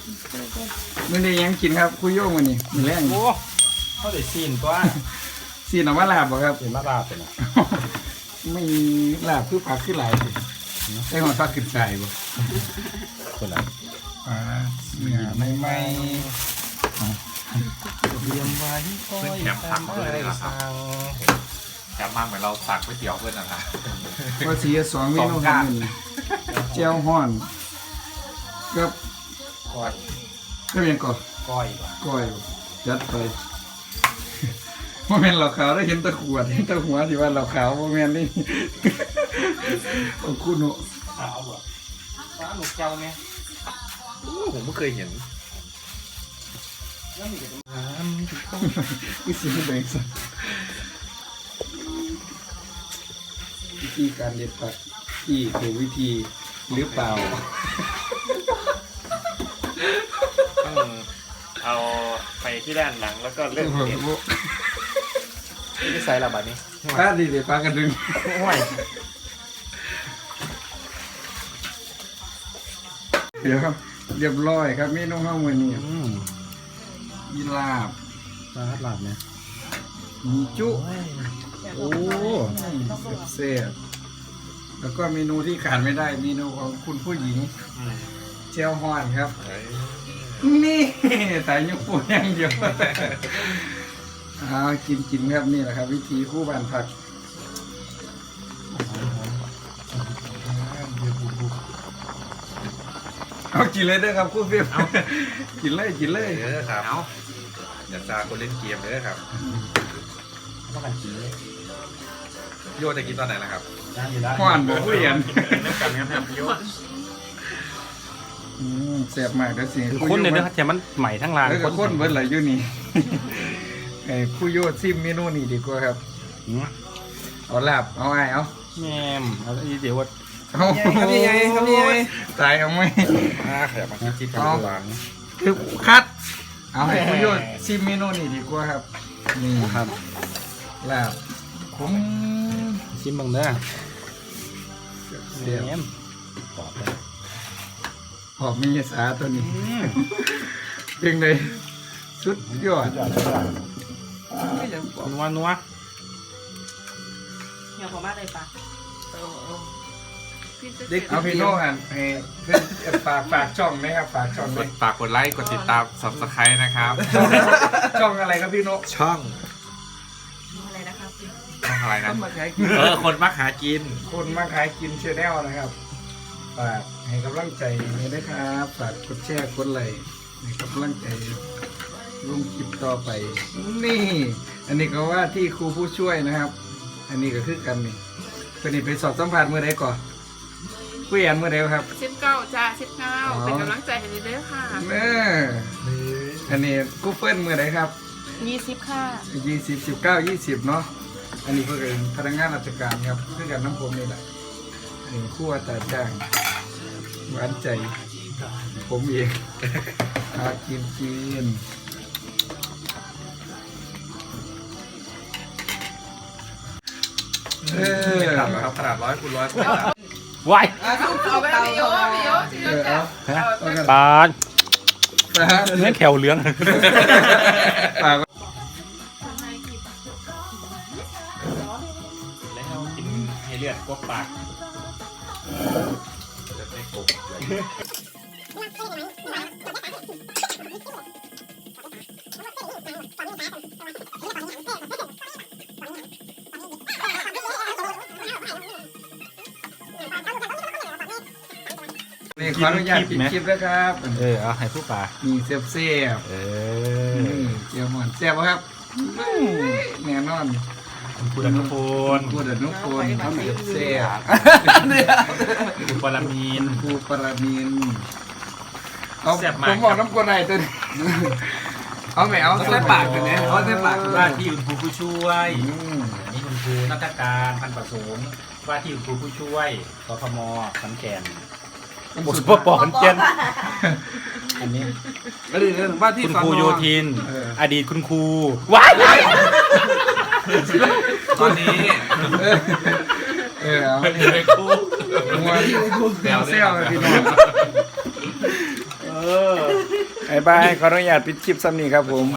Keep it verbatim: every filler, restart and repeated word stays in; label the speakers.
Speaker 1: มื่อนี้ยังกินครับคุยโยงวันนี้มีแรง
Speaker 2: โอ้เขาได้ซีนตัว
Speaker 1: ซีนออกมาลาบบ่ครับ
Speaker 2: เป็นมาลาเป็นอ่ะ
Speaker 1: ไม่มีลาบคือผักคือหลายสิใส่หอดผักขึ้นใส่บ่
Speaker 2: คนละ
Speaker 1: อ่าเนื้อไม่ไม่
Speaker 2: เตรียมไว้คอย
Speaker 3: แถมผักด้วยเลยเหรอครับ
Speaker 2: สั่ง
Speaker 3: แถมมากเหมือนเราตักก๋วยเตี๋ยวเพื่อนนะครับ
Speaker 1: ก็สีสองเมนูครับนี่เจียวฮ้อนกับ
Speaker 2: ก้อย
Speaker 1: ก็เป็นก่อ
Speaker 2: ก้อยว่ะ
Speaker 1: ก้อยจัดไปว่าแม่นเหล่าขาวได้เห็นแตะขวดเห็นแตะหัวที่ว่าเหล่าขาวว่าแม่นนี่ โอ้คุณหนู
Speaker 2: ขาวบ่ฟ้าหนุกเจ้าไง
Speaker 3: ผมไม่เคยเห็น
Speaker 1: วิธีแบ่งสักวิธีการเด็ดผักที่ถูกวิธีหรือเปล่า
Speaker 4: ต้องเอาไปที่ด้านหลังแล้วก็เลือกเด็ดที่ใส่ระบาดนี้
Speaker 1: ปลาดีเดี๋ยวปลากระดึง
Speaker 4: ห่วย
Speaker 1: เดี๋ยวครับเรียบร้อยครับเมนูข้าวมือนี้
Speaker 2: อืม
Speaker 1: มีลาบ
Speaker 2: ปลาหลาบเนี่ย
Speaker 1: มีจุ
Speaker 2: โอ้
Speaker 1: เซ่บๆแล้วก็เมนูที่ขาดไม่ได้เมนูของคุณผู้หญิงเจียวฮอนครับ นี่แต่ยกปูอย่างเดียวเอากินกินครับนี่แหละครับ วิธีคู่บ้านผักเอากินเลยเด้อครับคู่ฟิล์มกินเลยกินเลย
Speaker 3: เด้อครับอย่าซาคนเล่นเกมเด้อครับ
Speaker 2: ต้องการกินเลย
Speaker 3: โยจะกินตอนไหนล่ะครับ
Speaker 2: น้ำอยู่ได้
Speaker 1: ห่อนบ่ผู้เรียน
Speaker 4: น้ำกันครับครับโยน
Speaker 1: อืมแซ่บมากเด้อสิ
Speaker 2: คือคนเนี่ยนะแต่มันใหม่ทั้งร้าน
Speaker 1: แล้วก็คนเบิดไหลอยู่นี่ ไอ้ผู้โยดซิมเมนูนี่ดีกว่าครับ
Speaker 2: อืม
Speaker 1: เอาลาบเอาไอ้เอา
Speaker 2: แง่มเอาอีเดี๋ยวว่า
Speaker 1: เอาตายเอาไหม
Speaker 3: อ่าขยับมาที่ที่
Speaker 1: เอา
Speaker 3: ทำร้าน
Speaker 1: คือคัด เอาให้ผู้โยดซิมเมนูนี่ดีกว่าครับ นี่
Speaker 2: ครับ
Speaker 1: ลาบผม
Speaker 2: ชิมบังเด้อ
Speaker 1: เสียบ
Speaker 2: แง่มกรอบเลย
Speaker 1: หอมมีสาตัวนี้เพียงใดสุดยอด
Speaker 2: นัวนัว
Speaker 5: เดี๋ยวผมมาเลยปะเออเออพี่จะ
Speaker 1: เด็กเอาพี่โน่หันให้เพื่อนฝากฝากช่องไหมครับฝากช่อง
Speaker 3: ก
Speaker 1: ไหม
Speaker 3: ดฝากกดไลค์กดติดตาม subscribe นะครับ
Speaker 1: ช่องอะไรครับพี่โน่
Speaker 3: ช่อง
Speaker 5: อะไรนะครับพี่
Speaker 3: ช่องอะไรนะ
Speaker 1: มาขายกิน
Speaker 3: เออคนมักหากิน
Speaker 1: คนมาขายกินเชนแนลนะครับฝากให้กำลังใจนี้ด้วยครับฝากกดแชร์กดไลค์ให้กำลังใจลงคลิปต่อไป นี่ อันนี้ก็ว่าที่ครูผู้ช่วยนะครับ อันนี้ก็คือกันนี่เป็นนี่ไปสอบสัมภาษณ์เมื่อใดก่อนคุยอันเมื่อใดครับ
Speaker 5: สิบเก้าจ้าสิบเก้า
Speaker 1: อ๋อ
Speaker 5: เป็นกำลังใจให้เด้อค่ะ
Speaker 1: เอออันนี้กูเฟิลเมื่อใดครับ
Speaker 5: ยี่สิบค่ะ
Speaker 1: ยี่สิบสิบเก้ายี่สิบเนาะอันนี้ก็เป็นพนักงานราชการครับคือกันน้ำผมนี่แหละอันนี้คู่อัตราจ้างหวานใจ ผมเองอากินกินเออ
Speaker 3: ไม่ต่ำหรอกครับขนาดร้อยคูณร้อยคูณต่ำ
Speaker 2: วาย
Speaker 5: เอาไปพี่โยพี่โยพี่โย
Speaker 1: เออ
Speaker 5: จ้า
Speaker 1: เอาเอากัน
Speaker 2: ปลา
Speaker 1: นะฮะ
Speaker 2: เนื้อแขวเหลือง
Speaker 1: ปาก
Speaker 4: แล้วกินให้เลือดกบปาก
Speaker 3: จะไม่โกงเลย
Speaker 1: นี่ขออนุญาตปิดคลิปแล้วครับ
Speaker 2: เออเอาให้ผู้ปลา
Speaker 1: มีเสียบเสียบ
Speaker 2: เอ
Speaker 1: ๆ
Speaker 2: อ
Speaker 1: นี่เจียวหมอนเสียบบ่ครับแน่นอน
Speaker 2: คุณอนุพล
Speaker 1: กูเดินนุกคนเขาเสียบเสียบ
Speaker 2: คุณปรมีน
Speaker 1: กูปรามีนเอา
Speaker 4: แซ่บมาก
Speaker 1: ผมบอกน้ำกวนไหนตัวนี้เอาไหมเอาใส่ปากกันเนี่ยเอาใส่ปากกัน
Speaker 2: ว่า
Speaker 1: ได้
Speaker 2: ที่คุณครูผู้ช่วย
Speaker 1: อืม
Speaker 2: อันนี้คุณครูนักการพันประสงค์ว่าที่คุณครูผู้ช่วยกทมขอนแก่นบทปอขอนแก่นอันนี้
Speaker 1: ก็ดีเรื่องว่าที่
Speaker 2: คุณ
Speaker 1: สอน
Speaker 2: ครูโยธิน
Speaker 1: เออ
Speaker 2: อดีตคุณครูว้ายว้าย
Speaker 3: ตอนนี้
Speaker 1: เออเอา
Speaker 3: ไม่ได้ครู
Speaker 1: มวนเซลเซลพี่น้อง
Speaker 2: เออ
Speaker 1: บ๊ายบายขออนุญาตปิดคลิปซ้ำนี้ครับผม